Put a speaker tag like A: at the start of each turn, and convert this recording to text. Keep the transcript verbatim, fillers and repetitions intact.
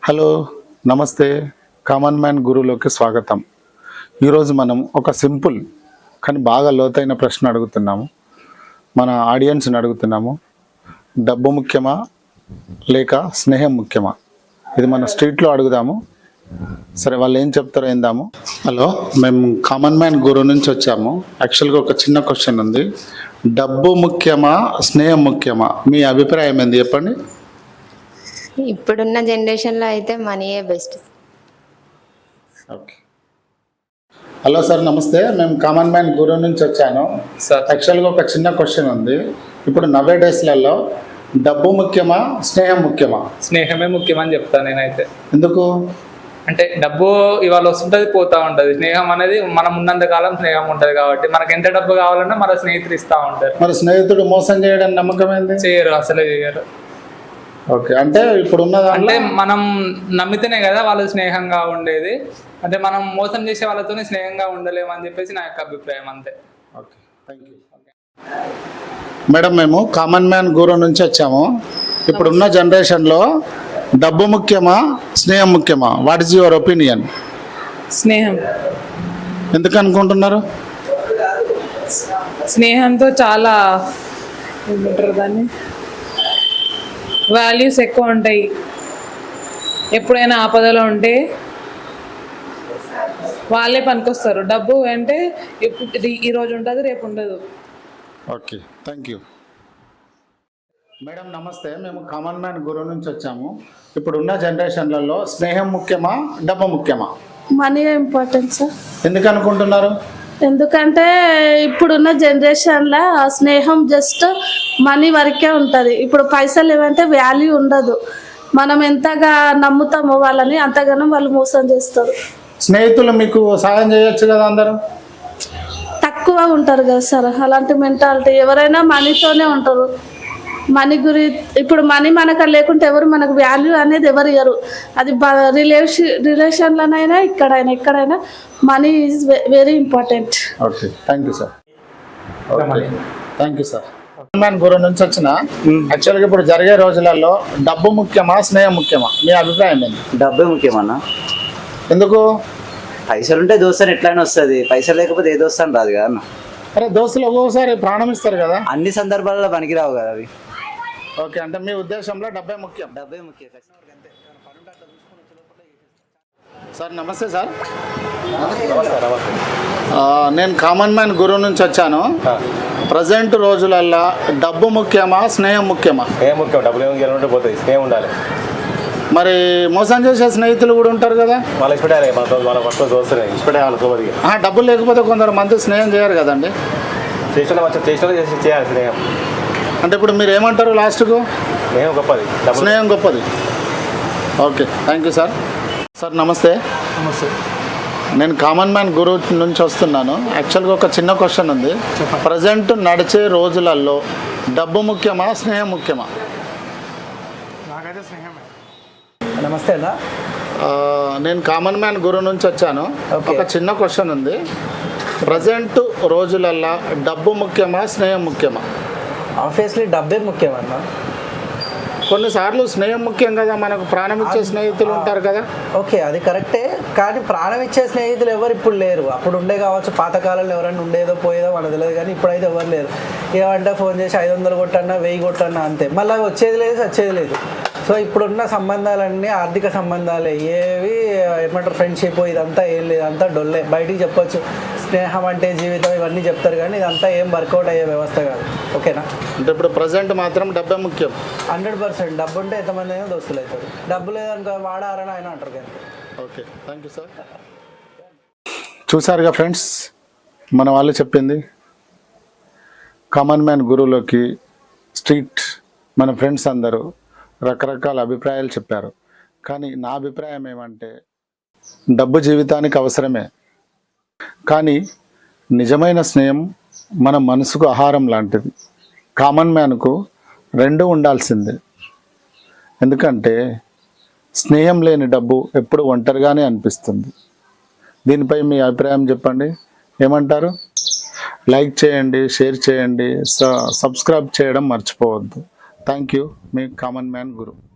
A: Hello నమస్తే common man గురువులోకి స్వాగతం. ఈరోజు మనం ఒక సింపుల్ కానీ బాగా లోతైన ప్రశ్న అడుగుతున్నాము. మన ఆడియన్స్ని అడుగుతున్నాము, డబ్బు ముఖ్యమా లేక స్నేహం ముఖ్యమా? ఇది మన స్ట్రీట్లో అడుగుదాము. సరే, వాళ్ళు ఏం చెప్తారో ఏందాము. హలో, మేము కామన్ మ్యాన్ గురువు నుంచి వచ్చాము. యాక్చువల్గా ఒక చిన్న క్వశ్చన్ ఉంది. డబ్బు ముఖ్యమా స్నేహం ముఖ్యమా? మీ అభిప్రాయం ఏంది చెప్పండి.
B: ఇప్పుడున్న జనరేషన్లో అయితే మనీయే బెస్ట్.
A: ఓకే. హలో సార్, నమస్తే. మేము కామన్ మ్యాన్ గురువు నుంచి వచ్చాను సార్. యాక్చువల్గా ఒక చిన్న క్వశ్చన్ ఉంది. ఇప్పుడు నవే డేస్లలో డబ్బు ముఖ్యమా స్నేహం ముఖ్యమా?
C: స్నేహమే ముఖ్యమని చెప్తాను నేనైతే.
A: ఎందుకు
C: అంటే డబ్బు ఇవాళ వస్తుంటుంది, పోతా ఉంటుంది. స్నేహం అనేది మనం ఉన్నంత కాలం స్నేహం ఉంటుంది కాబట్టి మనకి ఎంత డబ్బు కావాలన్నా మన స్నేహితులు ఇస్తూ ఉంటారు.
A: మరి స్నేహితుడు మోసం చేయడం నమ్మకం ఏంది?
C: చేయరు, అసలే చేయరు.
A: ఓకే, అంటే ఇప్పుడు ఉన్న
C: అంటే మనం నమ్మితేనే కదా వాళ్ళు స్నేహంగా ఉండేది. అంటే మనం మోసం చేసే వాళ్ళతోనే స్నేహంగా ఉండలేము అని చెప్పేసి నా యొక్క అభిప్రాయం, అంతే.
A: Okay, thank you. మేడం, మేము కామన్ మ్యాన్ గురువు నుంచి వచ్చాము. ఇప్పుడున్న జనరేషన్లో డబ్బు ముఖ్యమా స్నేహం ముఖ్యమా? What is your opinion?
D: స్నేహం.
A: ఎందుకు అనుకుంటున్నారు?
D: స్నేహంతో చాలా ఏమంటారు దాన్ని, వాల్యూస్ ఎక్కువ ఉంటాయి. ఎప్పుడైనా ఆపదలో ఉంటే వాళ్ళే పనికొస్తారు. డబ్బు అంటే ఇప్పుడు ఈరోజు ఉంటుంది, రేపు ఉండదు.
A: Okay, thank you. మేడం నమస్తే, మేము కామన్ మ్యాన్ గురువు నుంచి వచ్చాము. ఇప్పుడున్న జనరేషన్లలో స్నేహం ముఖ్యమా డబ్బు ముఖ్యమా?
E: Money important sir.
A: ఎందుకు అనుకుంటున్నారు?
E: ఎందుకంటే ఇప్పుడున్న జనరేషన్లో స్నేహం జస్ట్ మనీ వరకే ఉంటుంది. ఇప్పుడు పైసలు ఏమంటే వాల్యూ ఉండదు. మనం ఎంతగా నమ్ముతామో వాళ్ళని అంతగానో వాళ్ళు మోసం చేస్తారు.
A: స్నేహితులు మీకు సహాయం చేయొచ్చు కదా, అందరూ
E: తక్కువ ఉంటారు కదా సార్. అలాంటి మెంటాలిటీ ఎవరైనా మనీతోనే ఉంటారు. మనీ గురి ఇప్పుడు మనీ మనకు లేకుంటే ఎవరు మనకు వాల్యూ అనేది ఎవరు ఇవ్వరు. అది రిలేషన్ రిలేషన్లోనైనా ఇక్కడైనా ఎక్కడైనా money is very important.
A: Okay, thank you sir. Okay, thank you sir. Man గురువు నుంచి వచ్చిన యాక్చువల్గా ఇప్పుడు జరిగే రోజులలో డబ్బు ముఖ్యమా స్నేహం ముఖ్యమా? మీ అభిప్రాయం ఏంటి?
F: డబ్బే ముఖ్యమన్నా.
A: ఎందుకు?
F: పైసలు ఉంటే దోస్తాను ఎట్లయినా వస్తుంది, పైసలు లేకపోతే ఏ దోస్తాను రాదు కదా అన్న.
A: అరే, దోస్తులు ఒక్కొక్కసారి ప్రాణం ఇస్తారు కదా.
F: అన్ని సందర్భాలలో పనికిరావు కదా అవి.
A: ఓకే, అంటే మీ ఉద్దేశంలో డబ్బే ముఖ్యం.
F: డబ్బే ముఖ్యం.
A: సార్ నమస్తే సార్. నేను కామన్ మ్యాన్ గురువు నుంచి వచ్చాను. ప్రజెంట్ రోజులల్లో డబ్బు ముఖ్యమా స్నేహం ముఖ్యమా?
G: ఏం ముఖ్యం, డబ్బులు ఏమి పోతుంది, స్నేహం ఉండాలి.
A: మరి మోసం చేసే స్నేహితులు కూడా ఉంటారు కదా.
G: వాళ్ళు ఇష్టపడాలి, మన వాళ్ళ ఫస్ట్ చూస్తున్నాయి ఇష్టపడేయాలి సోబదిగా.
A: డబ్బులు లేకపోతే కొందరు మంది స్నేహం చేయరు కదండి.
G: చేసిన మంచి చేసిన చేసి చేయాలి స్నేహం.
A: అంటే ఇప్పుడు మీరు ఏమంటారు లాస్ట్కు?
G: స్నేహం గొప్పది,
A: స్నేహం గొప్పది. Okay, thank you sir. Sir నమస్తే.
C: నమస్తే.
A: నేను కామన్ మ్యాన్ గురువు నుంచి వస్తున్నాను. యాక్చువల్గా ఒక చిన్న క్వశ్చన్ ఉంది. ప్రజెంట్ నడిచే రోజులలో డబ్బు ముఖ్యమా స్నేహం ముఖ్యమా?
C: నాకైతే స్నేహమే.
F: నమస్తే అన్న.
A: నేను కామన్ మ్యాన్ గురువు నుంచి వచ్చాను. ఒక చిన్న క్వశ్చన్ ఉంది. ప్రజెంట్ రోజులల్లో డబ్బు ముఖ్యమా స్నేహం ముఖ్యమా?
F: ఆబ్వియస్లీ డబ్బే ముఖ్యం అన్న.
A: కొన్నిసార్లు స్నేహం ముఖ్యం కదా, మనకు ప్రాణం ఇచ్చే స్నేహితులు ఉంటారు కదా.
F: ఓకే, అది కరెక్టే. కానీ ప్రాణం ఇచ్చే స్నేహితులు ఎవరు ఇప్పుడు లేరు. అప్పుడు ఉండే కావచ్చు, పాతకాలంలో ఎవరైనా ఉండేదో పోయేదో మనకు తెలియదు. కానీ ఇప్పుడైతే ఎవరు లేరు. ఏమంటే ఫోన్ చేసి ఐదు వందలు కొట్టన్నా వెయ్యి కొట్టన్నా అంతే, మళ్ళీ వచ్చేది లేదు వచ్చేది లేదు. సో ఇప్పుడున్న సంబంధాలన్నీ ఆర్థిక సంబంధాలే. ఏవి ఏమంటారు ఫ్రెండ్షిప్ ఇదంతా ఏం లేదు, అంతా డొల్లే. బయటికి చెప్పొచ్చు స్నేహం అంటే జీవితం ఇవన్నీ చెప్తారు, కానీ ఇదంతా ఏం వర్కౌట్ అయ్యే వ్యవస్థ కాదు. ఓకేనా?
A: అంటే ఇప్పుడు ప్రజెంట్ మాత్రం డబ్బే ముఖ్యం.
F: హండ్రెడ్ పర్సెంట్ డబ్బు ఉంటే ఎంతమంది అయినా దోస్తులు అవుతారు. డబ్బు లేదనుకో వాడారని ఆయన అంటారు కానీ.
A: Okay, thank you sir. చూసారుగా ఫ్రెండ్స్, మన వాళ్ళు చెప్పింది. కామన్ మ్యాన్ గురువులోకి స్ట్రీట్ మన ఫ్రెండ్స్ అందరూ రకరకాల అభిప్రాయాలు చెప్పారు. కానీ నా అభిప్రాయం ఏమంటే డబ్బు జీవితానికి అవసరమే, కానీ నిజమైన స్నేహం మన మనసుకు ఆహారం లాంటిది. కామన్ మ్యాన్కు రెండు ఉండాల్సిందే. ఎందుకంటే స్నేహం లేని డబ్బు ఎప్పుడు ఒంటరిగానే అనిపిస్తుంది. దీనిపై మీ అభిప్రాయం చెప్పండి. ఏమంటారు? లైక్ చేయండి, షేర్ చేయండి, సబ్స్క్రైబ్ చేయడం మర్చిపోవద్దు. Thank you. మీ కామన్ మ్యాన్ గురు.